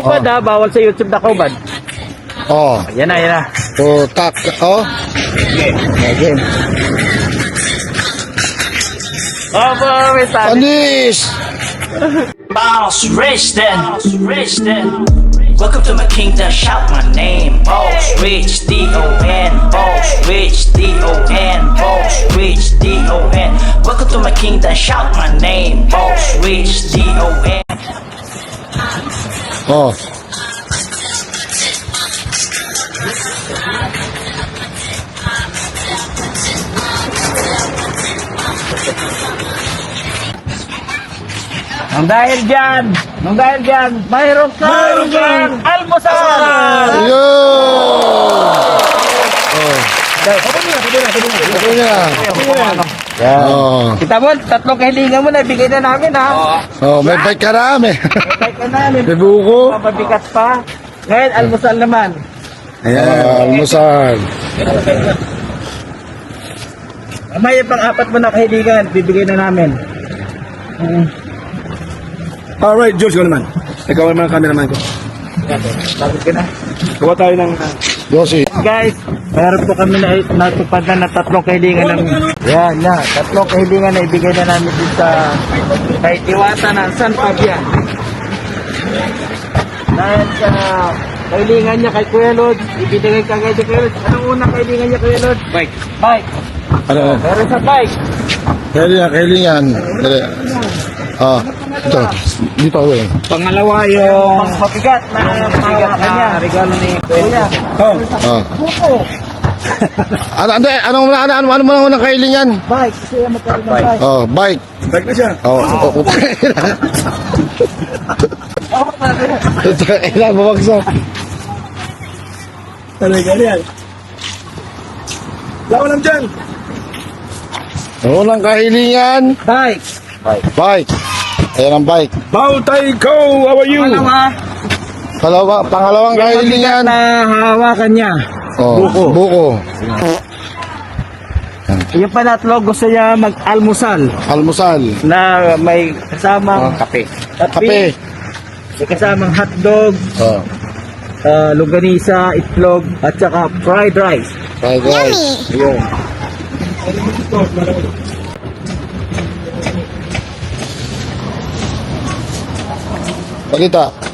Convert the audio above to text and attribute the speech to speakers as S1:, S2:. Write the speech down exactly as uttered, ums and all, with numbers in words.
S1: Bad ha, bawal sa YouTube na ko, bad.
S2: Oh.
S1: Yan na, yan na.
S2: So, tak. Oh.
S1: Okay. Oh, boy, may tali.
S2: Anis!
S3: Boss rich then, rich then. Welcome to my kingdom, shout my name. Boss rich, D O N. Boss rich, D O N. Boss rich, D O N. Welcome to my kingdom, shout my name. Boss rich, D O N.
S2: Oh.
S1: Nang dahil dyan, nang dahil dyan, mayroon ka, mayroon dyan, almusal!
S2: Yo! Oh. Ito niya.
S1: Yan.
S2: Oh.
S1: Kita mo, tatlong kahilingan mo na, bigay na namin ha.
S2: Oh, may bike ka na, may.
S1: Bigay ka na, may
S2: May buko.
S1: mabigat pa. Ngayon, almusal naman.
S2: Ah, almusal.
S1: Mamaya pang apat mo na kahilingan, bibigay na namin. Mm.
S4: Alright, George, ko naman. Ikaw naman ang cameraman ko.
S1: Bakit ka na?
S4: Gawa tayo ng...
S2: Yosi.
S1: Guys, meron po kami na natupad na na tatlong kahilingan ng... Yan, na. Tatlong kahilingan na ibigay na namin dito sa... kay Diwata ng San Fabian. Dahil sa kahilingan niya kay Kuya Lod, ibigay ka kay Kuya Lod. Anong unang kahilingan niya, Kuya Lod? Bike. Bike.
S2: Ano?
S1: Meron sa bike.
S2: Kailingan, kailingan. Dali. Ah, ito. Dito ako eh.
S1: Pangalawa yung mabigat na mabigat na regalo ni Kuya.
S4: Oh,
S2: Ah. Ano, ano, ano, ano, ano, ano, ano, ano, ano, kailingan?
S1: Bike. Kasi yung magkaroon ng bike.
S2: Oh, bike.
S4: back na siya.
S2: Oh, oh, okay. Ilan, babagsak.
S4: Talaga yan. Lawa lang dyan.
S2: Unang kahilingan,
S1: Bike.
S2: bike. Ayan ang bike.
S4: Bao Tai Ko, how are you?
S1: Pangalawa,
S2: Kalawa, pangalawang
S1: yung mabigat
S2: kahilingan.
S1: na hawakan niya.
S2: Oh,
S1: buko.
S2: Buko.
S1: Yung panatlo, gusto niya mag-almusal
S2: Almusal.
S1: na may kasamang
S2: Kape.
S1: kape,
S2: Kape.
S1: may kasamang hotdog,
S2: Oh,
S1: uh, longganisa, itlog, at saka fried rice.
S2: fried rice.
S1: Yun.
S2: Balita.